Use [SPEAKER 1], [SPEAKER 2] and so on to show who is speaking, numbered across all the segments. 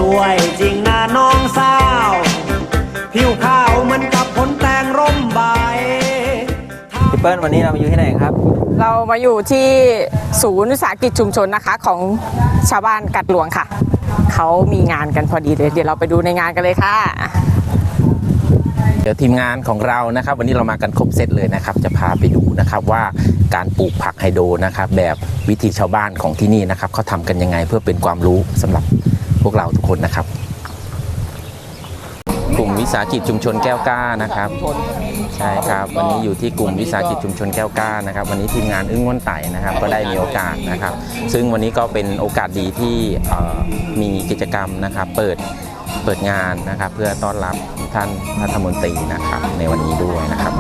[SPEAKER 1] วยจริงนะน้องสาวผิวขาวเหมือนกับผลแตงร่มใบ
[SPEAKER 2] พี่เปิ้ลวันนี้เรามาอยู่ที่ไหนครับ
[SPEAKER 3] เรามาอยู่ที่ศูนย์วิสาหกิจชุมชนนะคะของชาวบ้านกัดหลวงค่ะเขามีงานกันพอดีเลยเดี๋ยวเราไปดูในงานกันเลยค่ะ
[SPEAKER 2] เดี๋ยวทีมงานของเรานะครับวันนี้เรามากันครบเซตเลยนะครับจะพาไปดูนะครับว่าการปลูกผักไฮโดรนะครับแบบวิถีชาวบ้านของที่นี่นะครับเขาทำกันยังไงเพื่อเป็นความรู้สำหรับพวกเราทุกคนนะครับกลุ่มวิสาหกิจชุมชนแก้วกล้านะครับใช่ครับวันนี้อยู่ที่กลุ่มวิสาหกิจชุมชนแก้วกล้านะครับวันนี้ทีมงานอึ้งง่วนไต่นะครับก็ได้มีโอกาสนะครับซึ่งวันนี้ก็เป็นโอกาสดีที่มีกิจกรรมนะครับเปิดงานนะครับเพื่อต้อนรับท่านรัฐมนตรีนะครับในวันนี้ด้วยนะครับ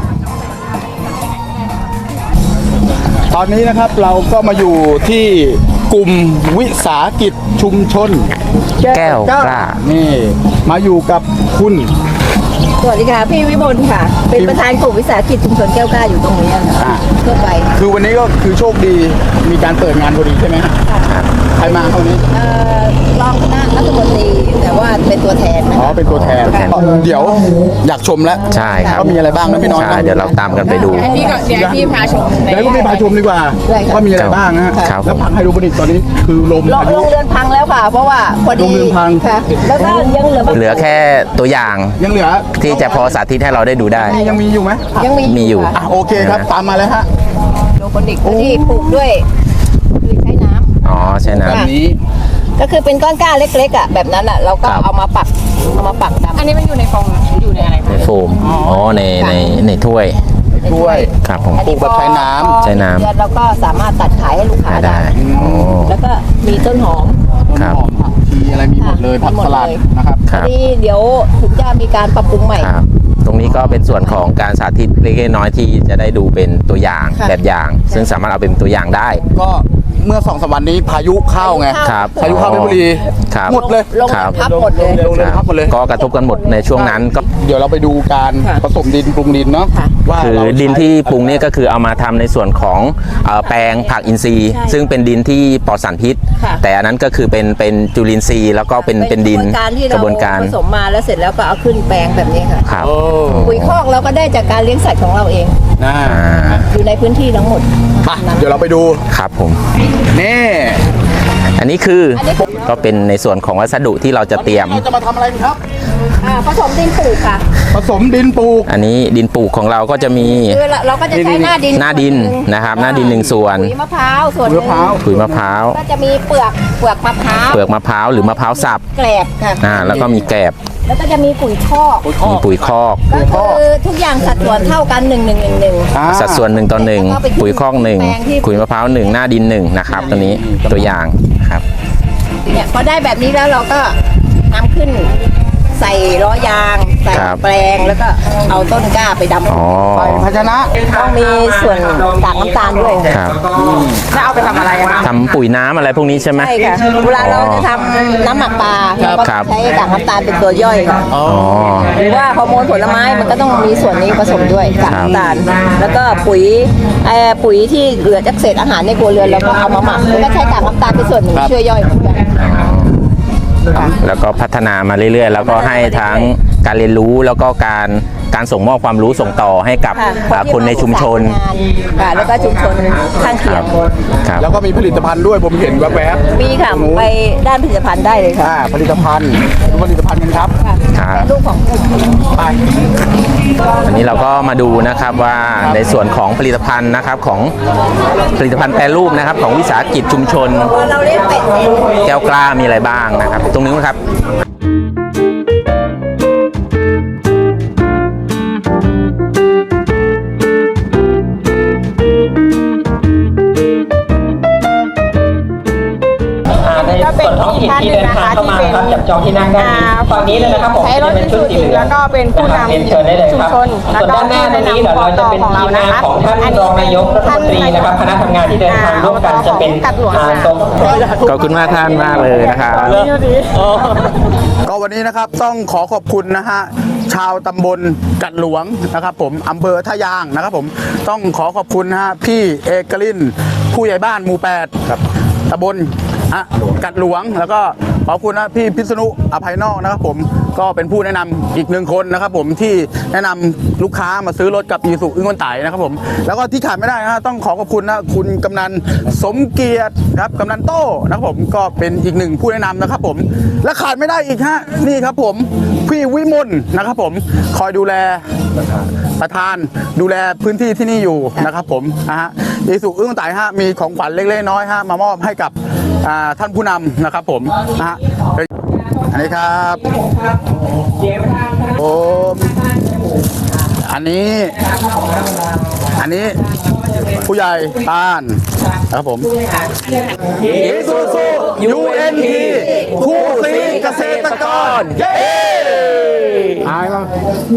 [SPEAKER 4] ตอนนี้นะครับเราก็มาอยู่ที่กลุ่มวิสาหกิจชุมชน
[SPEAKER 2] แก้วกล้า
[SPEAKER 4] นี่มาอยู่กับคุณ
[SPEAKER 5] สวัสดีค่ะพี่วิมลค่ะเป็นประธานกลุ่มวิสาหกิจชุมชนแก้วกล้าอยู่ตรงนี้ค่ะทั่วไป
[SPEAKER 4] คือวันนี้ก็คือโชคดีมีการเปิดงานพอดีใช่ไหมครับใครมาคราวนี้
[SPEAKER 5] รองคณะรัฐมนตรีแต่ว่าเป็นตัวแทน
[SPEAKER 4] อ๋อเป็นตัวแทนเดี๋ยวอยากชมแล้ว
[SPEAKER 2] ใช่ครับ
[SPEAKER 4] ก็มีอะไรบ้างนะพี่น้อง
[SPEAKER 2] ใช่เดี๋ยวเราตามกันไปดู
[SPEAKER 3] พี่ก็เดี๋ยวพี่พาชม
[SPEAKER 4] เดี๋ยวก็พี่พาชมดีกว่าว่ามีอะไรบ้างนะแล้วผักไฮโดรโปนิกตอนนี้คือลม
[SPEAKER 5] โรงเรือนพังแล้วค่ะเพราะว่าพอดี
[SPEAKER 4] โรงเรือนพัง
[SPEAKER 5] แล้วก็ยัง
[SPEAKER 2] เหลือแค่ตัวอย่าง
[SPEAKER 4] ยังเหลือ
[SPEAKER 2] ที่จะพอสาธิตให้เราได้ดูได้
[SPEAKER 4] ยังมีอยู่ไหม
[SPEAKER 5] ยัง
[SPEAKER 2] มีอยู่
[SPEAKER 4] โอเคครับตามมาเลยฮะ
[SPEAKER 5] โดโปนิกที่ปลูกด้วยคือใช้น้ำ
[SPEAKER 2] อ๋อใช่น้
[SPEAKER 4] ำนี้
[SPEAKER 5] ก็คือเป็นก้อนก้าเล็กๆอ่ะแบบนั้นอ่ะเราก็เอามาปักดำ
[SPEAKER 3] อันนี้มันอยู่ในฟองอยู่ในอะไร
[SPEAKER 2] ในโฟมอ๋อในถ้วยครับผม
[SPEAKER 4] ปลูกแบบใช้น้ำ
[SPEAKER 5] แล้วก็สามารถตัดขายให้ลูกค้าได้แล้วก็มีต้นหอม
[SPEAKER 2] ครับ
[SPEAKER 4] ผักชีอะไรมีหมดเลยผักสลัดนะครับ
[SPEAKER 5] นี่เดี๋ยวถึงจะมีการปรับปรุงใหม่
[SPEAKER 2] ตรงนี้ก็เป็นส่วนของการสาธิตเล็กน้อยที่จะได้ดูเป็นตัวอย่างแบบอย่างซึ่งสามารถเอาเป็นตัวอย่างได้
[SPEAKER 4] ก็เมื่อ2-3 วันนี้พายุเข้าไงพายุเข้าเพชรบุรีหมดเลย
[SPEAKER 5] ลงทับหมดเลย
[SPEAKER 2] ก็กระทบกันหมดในช่วงนั้นก็
[SPEAKER 4] เดี๋ยวเราไปดูการผสมดินปรุงดินเนาะ
[SPEAKER 2] ว่าคือดินที่ปรุงนี่ก็คือเอามาทำในส่วนของแปลงผักอินทรีย์ซึ่งเป็นดินที่ปลอดสารพิษแต่อันนั้นก็คือเป็นจุลินทรีย์แล้วก็เป็นดิน
[SPEAKER 5] กระบวนการผสมมาแล้วเสร็จแล้วก็เอาขึ้นแปลงแบบนี้ค่ะ
[SPEAKER 2] ครับ
[SPEAKER 5] ปุ๋ยคอกเราก็ได้จากการเลี้ยงสัตว์ของเราเองอยู่ในพื้นที่ทั้งหมด
[SPEAKER 4] เดี๋ยวเราไปดู
[SPEAKER 2] ครับผม
[SPEAKER 4] นี่
[SPEAKER 2] อันนี้คือก็เป็นในส่วนของวัสดุที่เราจะเตรียม
[SPEAKER 4] จะมาทำอะไรครับ
[SPEAKER 5] ผสมดินปลูกค่ะ
[SPEAKER 4] ผสมดินปลูก
[SPEAKER 2] อันนี้ดินปลูกของเราก็จะมี
[SPEAKER 5] เราก็จะใช้หน้าดิน
[SPEAKER 2] นะครับหน้าดิน1 ส่วน
[SPEAKER 5] ปุ๋ยมะพร้าวส่วน
[SPEAKER 2] ปุ๋ยมะพร้าว
[SPEAKER 5] ก็จะมีเปลือกมะพร้าว
[SPEAKER 2] หรือมะพร้าวสับ
[SPEAKER 5] แกลบค่ะ
[SPEAKER 2] แล้วก็มีแกลบ
[SPEAKER 5] แล้วก็จะมีปุ๋ยคอก
[SPEAKER 2] มีปุ๋ยคอก
[SPEAKER 5] ก็คือทุกอย่างสัดส่วนเท่ากัน1:1
[SPEAKER 2] สัดส่วน1:1ปุ๋ยคอก1ปุ๋ยมะพร้าว1หน้าดิน1นะครับตัวนี้ตัวอย่างครับ
[SPEAKER 5] เนี่ยพอได้แบบนี้แล้วเราก็นำขึ้นใส่ล้อยางใส่แปลงแล้วก็เอาต้นกล้าไปดำ
[SPEAKER 4] ใส่ภาชนะ
[SPEAKER 5] ต้องมีส่วนกากน้ำตาลด้วย
[SPEAKER 2] ครับ
[SPEAKER 3] แล้วเอาไปทำอะไรคะ
[SPEAKER 2] ทำปุ๋ยน้ำอะไรพวกนี้ใช่ไหม
[SPEAKER 5] ใช่ค่ะเวลาเราจะทำน้ำหมักปลาก็ใช้กากน้ำตาลเป็นตัวย่อยค่ะหรือว่าฮอร์โมนผลไม้มันก็ต้องมีส่วนนี้ผสมด้วยกากน้ำตาลแล้วก็ปุ๋ยที่เหลือจากเศษอาหารในครัวเรือนแล้วก็เอามาหมักแล้วก็ใช้กากน้ำตาลเป็นส่วนหนึ่งช่วยย่อยเหมือนกัน
[SPEAKER 2] แล้วก็พัฒนามาเรื่อยๆแล้วก็ให้ทั้งการเรียนรู้แล้วก็การส่งมอบความรู้ส่งต่อให้กับคนในชุมชน
[SPEAKER 5] แล้วก็ชุมชนข้างเคียง
[SPEAKER 4] แล้วก็มีผลิตภัณฑ์ด้วยผมเห็นแวบ
[SPEAKER 5] ๆมีค่ะไปด้านผลิตภัณฑ์ได้เลยค่ะ
[SPEAKER 4] ผลิตภัณฑ์กันครับ
[SPEAKER 5] ลูกของ
[SPEAKER 4] ไป
[SPEAKER 2] อันนี้เราก็มาดูนะครับว่าในส่วนของผลิตภัณฑ์นะครับของผลิตภัณฑ์แปรรูปนะครับของวิสาหกิจชุมชนแก้วกล้ามีอะไรบ้างนะครับตรงนี้นะครับ
[SPEAKER 6] ส่วนท้องถิ่นที่เดินทางเข้ามาครับจับจองที่นั่งได้ฝั่งนี้เลยนะครับผมจะเป็นชุดสีเหลือง
[SPEAKER 3] แล้วก็เป็นผู้นำชุมชน
[SPEAKER 6] ส่วนด้านหน้านี้เราจะเป็นทีมงานของท่านรองนายกรัฐมนตรีนะครับคณะทำงานที่เดินทางร่วมกันจะเป็นตรง
[SPEAKER 2] ขอบคุณมากท่านมากเลยนะครับ
[SPEAKER 4] ก็วันนี้นะครับต้องขอบคุณนะฮะชาวตำบลกัดหลวงนะครับผมอำเภอท่ายางนะครับผมต้องขอบคุณนะฮะพี่เอกลินผู้ใหญ่บ้านหมู่ 8ครับตำบลกัดหลวงแล้วก็ขอบคุณนะพี่พิษณุอภัยนอกนะครับผมก็เป็นผู้แนะนำอีก1 คนนะครับผมที่แนะนำลูกค้ามาซื้อรถกับอีซูอึ้งวันไต่นะครับผมแล้วก็ที่ขาดไม่ได้นะต้องขอขอบคุณนะคุณกำนันสมเกียรติครับกำนันโต้นะครับผมก็เป็นอีก1ผู้แนะนำนะครับผมและขาดไม่ได้อีกฮะนี่ครับผมพี่วิมลนะครับผมคอยดูแลประธานดูแลพื้นที่ที่นี่อยู่นะครับผมนะฮะอีซูอึ้งวันไต่ฮะมีของขวัญเล็กๆน้อยๆฮะมามอบให้กับท่านผู้นำนะครับผมนะฮะอันนี้ครับโอ้อันนี้ผู้ใหญ่ปานนะครับผมอีซูซู UNT คู่ซีเกษตรกรเย้